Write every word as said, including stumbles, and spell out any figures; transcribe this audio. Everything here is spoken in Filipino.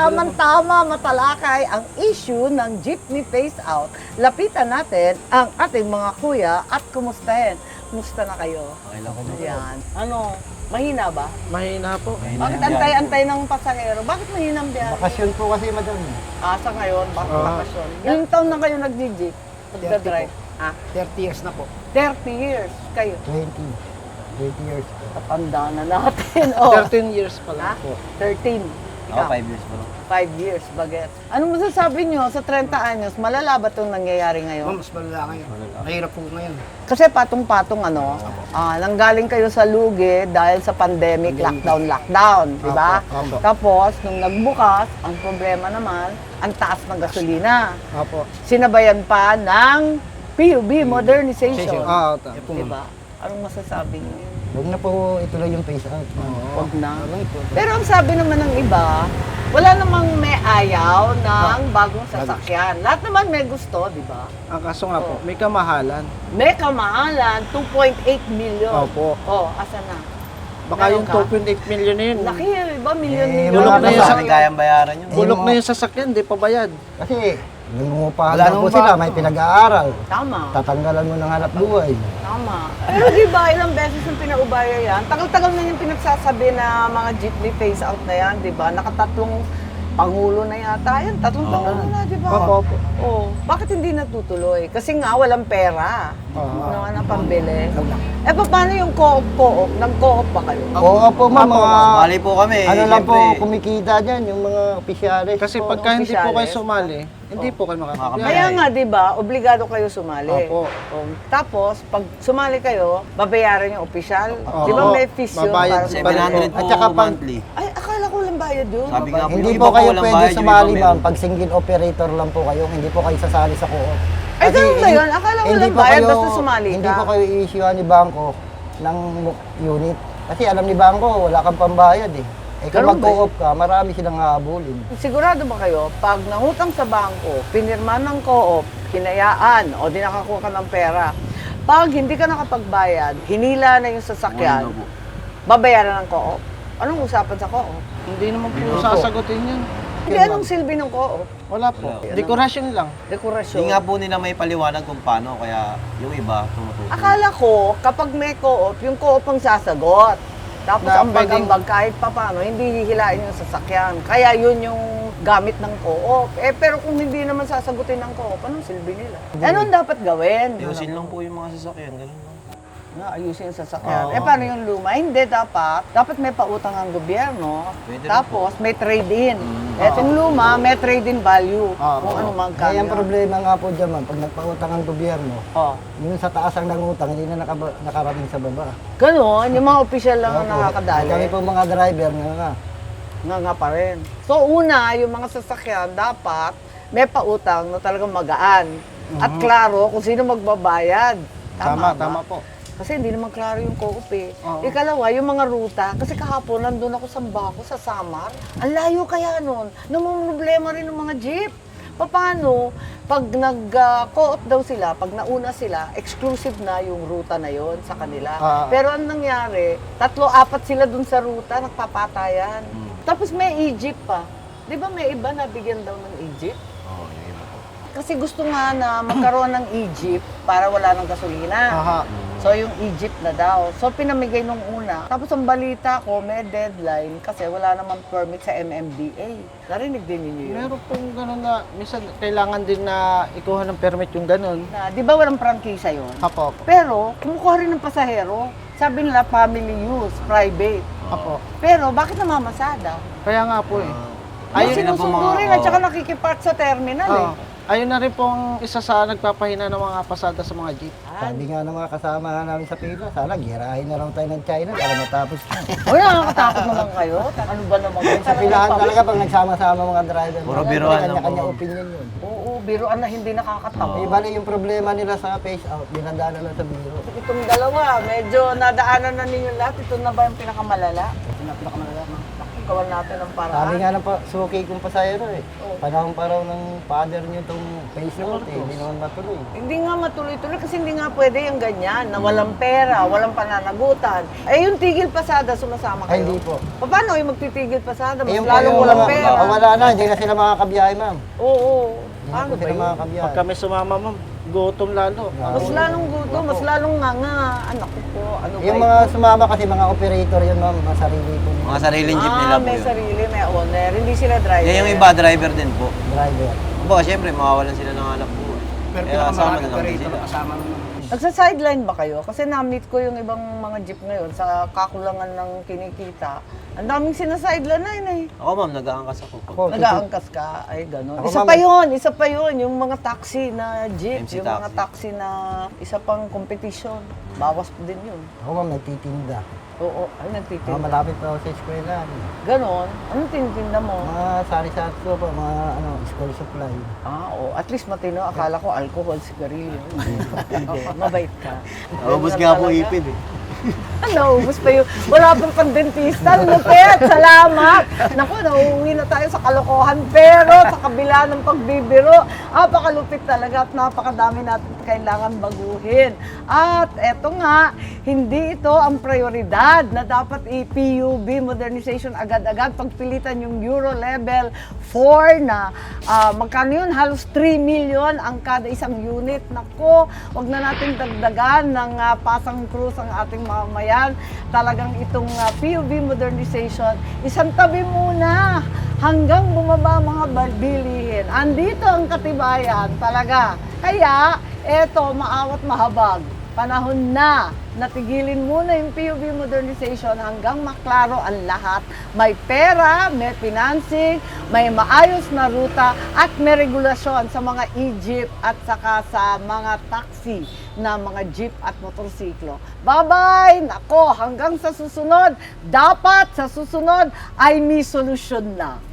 tamang-tama matalakay ang issue ng jeepney phase out, lapitan natin ang ating mga kuya at kumustahin. Kumusta na kayo? Okay lang po. Ayan. Ano, mahina ba? Mahina po. Bakit antay-antay ng pasahero? Bakit mahina ang biyahe? Bakasyon po kasi, madam. Ah, sa ngayon, bakit Ah. bakasyon? Ilang taon na kayo nag-jeep? Nagda-drive? Ah, thirty years na po. thirty years kayo. twenty. twenty years. Tatanda na natin. Oh. thirteen years pa Ha? lang po. thirteen. Ako, Ikaw? five years po. Five years, baget. Anong masasabi nyo sa thirty anyos? Malala ba itong nangyayari Ma'am, ngayon? mas malala ngayon. Mahirap po ngayon. Kasi patong-patong ano, ah, nanggaling kayo sa lugi dahil sa pandemic, lockdown, lockdown, di ba? Opo, opo. Tapos, nung nagbukas, ang problema naman, ang taas ng gasolina. Opo. Sinabayan pa ng P U B modernization. Ah, ta. Yan po, Di ma'am. ba? Anong masasabi niyo? Huwag na po ituloy yung phase out. Huwag na. Wala po. Pero ang sabi naman ng iba, wala namang may ayaw ng bagong sasakyan. Lahat naman may gusto, di ba? Ang kaso nga po, may kamahalan. May kamahalan, two point eight million. Opo. Oh, asa na? Baka Meron yung ka? two point eight million na yun. Laki, iba? Million, Eh, million. bulok wala na pa yun sa sa Hindi kayang bayaran yun. Bulok na yung sasakyan, di pa bayad. Kasi, nangungupahan Wala na po namang sila, bago. may pinag-aaral. Tama, Tatanggalan mo ng hanap buhay. tama. Pero di ba, ilang beses yung pinaubaya yan? Tagal-tagal na yung pinagsasabi na mga jeepney phase out na yan, di ba? Nakatatlong pangulo na yata yan. Tatlong Oo. pangulo na, di ba? Opo, opo. Oh, bakit hindi natutuloy? Kasi nga, walang pera. Oo. Ano nga na pambili? Eh, paano yung co-op, co-op? Nag-co-op ba kayo? Oo po, ma'am. Mga, Sumali po kami. ano lang po, siyempre. kumikita dyan, yung mga opisyalis. Kasi Oo, pagka hindi po kayo opisyalis. sumali, hindi po kayo makakabiyay. Kaya nga, di ba, obligado kayo sumali. Opo. Oh, tapos, pag sumali kayo, babayaran yung opisyal. Opo. Di ba may fees yun? Babayad para sa seven hundred sumali? po At saka pag- monthly. Ay, akala ko lang bayad yun. Sabi nga po, Hindi yung po iba kayo walang pwede bayad, yung sumali, iba ma'am. meron. Pag single operator lang po kayo, hindi po kayo sasali sa co-op. Ay, Kasi ganun ba hindi- yun? Akala ko hindi lang po bayad, kayo- basta sumali Hindi ka. po kayo i-issuean ni Bangko ng unit. Kasi alam ni Bangko, wala kang pambayad eh. Eh kung Ganun ba mag-co-op ka, marami silang hahabulin. Sigurado ba kayo, pag nangutang sa bangko, pinirma ng co-op, hinayaan, o di nakakuha ka ng pera, pag hindi ka nakapagbayad, hinila na yung sasakyan, Ano po? babayaran ng co-op. Anong usapan sa co-op? Hindi naman po Opo. sasagutin yun. Hindi, anong silbi ng co-op? Wala po. Wala. Decoration lang. Dekorasyon. Hindi nga po nila may paliwanag kung paano, kaya yung iba tumutulong. Akala ko, kapag may co-op, yung co-op ang sasagot. Tapos Na ang pwedeng- ambag-ambag kahit pa paano, hindi hihilain yung sasakyan. Kaya yun yung gamit ng co-op. Eh, pero kung hindi naman sasagutin ng co-op, anong silbi nila? Eh, anong dapat gawin? Ayusin lang po yung mga sasakyan, ganun lang. Na ayusin yung sasakyan. Oo. Eh, paano yung luma? Hindi, dapat. Dapat may pautang ang gobyerno. Pwede rin Tapos, may trade-in. Mm. Etong luma, may trade-in value. Oo. Kung ano magkano. Kaya ang yun. problema nga po dyan, ma'am, pag nagpautang ang gobyerno, Oh. yung sa taas ang nangutang, hindi na nakaba- nakarating sa baba. Ganon, yung mga opisyal lang ang Opo. nakakadali. Kami po mga driver nga nga. Nga nga pa rin. So una, yung mga sasakyan dapat may pautang na talagang magaan. At klaro kung sino magbabayad. Tama, ba? tama po. Kasi hindi naman klaro yung co-op eh. Oo. Ikalawa, yung mga ruta. Kasi kahapon, nandun ako sa Baco, sa Samar. Ang layo kaya nun. Namumroblema rin ng mga jeep. Paano? Pag nag-co-op daw sila, pag nauna sila, exclusive na yung ruta na yon sa kanila. Ah. Pero ang nangyari, tatlo, apat sila dun sa ruta, nagpapatayan. Tapos may Egypt pa. Di ba may iba na bigyan daw ng Egypt? Oo, yung iba po. Kasi gusto nga na magkaroon ng Egypt para wala ng gasolina. Aha. So yung Egypt na daw. So pinamigay nung una. Tapos ang balita ko, may deadline kasi wala namang permit sa M M D A. Narinig din ninyo yun? Meron pong gano'n na, minsan kailangan din na ikuha ng permit yung gano'n. Na, di ba walang prangkisa yun? Apo, Pero kumukuha rin ng pasahero. Sabi nila family use, private. apo. Pero bakit namamasada? Kaya nga po eh. Ayun, Ayun na po sinusundo mga- rin at oo. saka nakikipark sa terminal eh. Oo. Ayun na rin pong isa sa nagpapahina ng mga pasada sa mga jeep. Sabi nga ng mga kasama namin sa pila, sana girahin na lang tayo ng China para matapos na. Uy, nakakatakot naman kayo. Ano ba naman kayo? Sa pilahan talaga pag nagsama-sama mga driver. Puro Mga biruan lang Kanya-kanya po. opinion yun. Oo, biruan na hindi nakakatawa. Eh, bali yung problema nila sa phase out, dinadaan na lang sa biro. Itong dalawa, medyo nadaanan na ninyo lahat. Ito na ba yung pinakamalala? Ito na pinakamalala, ma'am. Naku, gawan natin ng paraan. Sabi nga ng pa, suki kong pasayero eh. Oo. Panahon pa raw ng father niyo itong face note eh. Hindi naman matuloy. Hindi nga matuloy-tuloy kasi hindi nga pwede yung ganyan, na walang pera, walang pananagutan. Eh yung tigil pasada, sumasama Ay, kayo? hindi po. Paano yung magtitigil pasada? Mas Eh, yung lalong yung walang mga- pera. mga wala na, hindi na sila makakabiyahe, ma'am. Oo. Hindi na Paano po ba sila yun? makakabiyahe. Pag kami sumama, ma'am, gutom lalo. Mas lalong guto, mas lalong nga nga. Anak ko po, ano ba Yung yun? mga sumama kasi mga operator yun, ma'am, mga sarili po Mga sariling jeep Ah, nila po may yun. sarili, may owner. Hindi sila driver. Eh, yung iba, driver din po. driver. Kumbaga, syempre, mawawalan sila ng hanap buhay. Pero Kaya kasama pinakamarami na lang din operator sila. kasama mo. Nagsa-sideline ba kayo? Kasi na-meet ko yung ibang mga jeep ngayon sa kakulangan ng kinikita. Ang daming sinasideline na yun eh. Ako, ma'am, nag-aangkas ako. Ako, Nag-aangkas ka, ay gano'n. Ako, Isa ma'am, pa yun, isa pa yun, yung mga taxi na jeep, M C yung mga taxi. taxi na isa pang competition. Bawas din yun. ako ma'am, nagtitinda. Oo, ay Mga nagtitinda. malapit pa ako sa eskwela. Ganon, anong tinitinda mo? Mga sari-sari ko po, mga ano, school supply. Ah, oo, at least matino. Akala ko alcohol, sigarilyo. Hindi, mabait ka. Naubos Ganun nga po talaga. ipid eh. Naubos pa yun. Wala pang pang-dentista. Lupit, salamat. Naku, nauuwi na tayo sa kalokohan. Pero sa kabila ng pagbibiro, napakalupit talaga at napakadami natin kailangan baguhin. At eto nga, hindi ito ang prioridad na dapat i-P U B modernization agad-agad. Pagpilitan yung Euro Level four na ah, magkano yun? Halos three million ang kada isang unit. Nako, wag na natin dagdagan ng ah, pasang krus ang ating mamamayan. Talagang itong ah, P U B modernization, isang tabi muna hanggang bumaba ang mga bal- bilihin. Andito ang katibayan talaga. Kaya, eto, maawat mahabag. Panahon na natigilin muna yung P U B modernization hanggang maklaro ang lahat. May pera, may financing, may maayos na ruta at may regulasyon sa mga e-jeep at saka sa mga taxi na mga jeep at motorsiklo. Bye-bye! Nako, hanggang sa susunod, dapat sa susunod ay may solusyon na.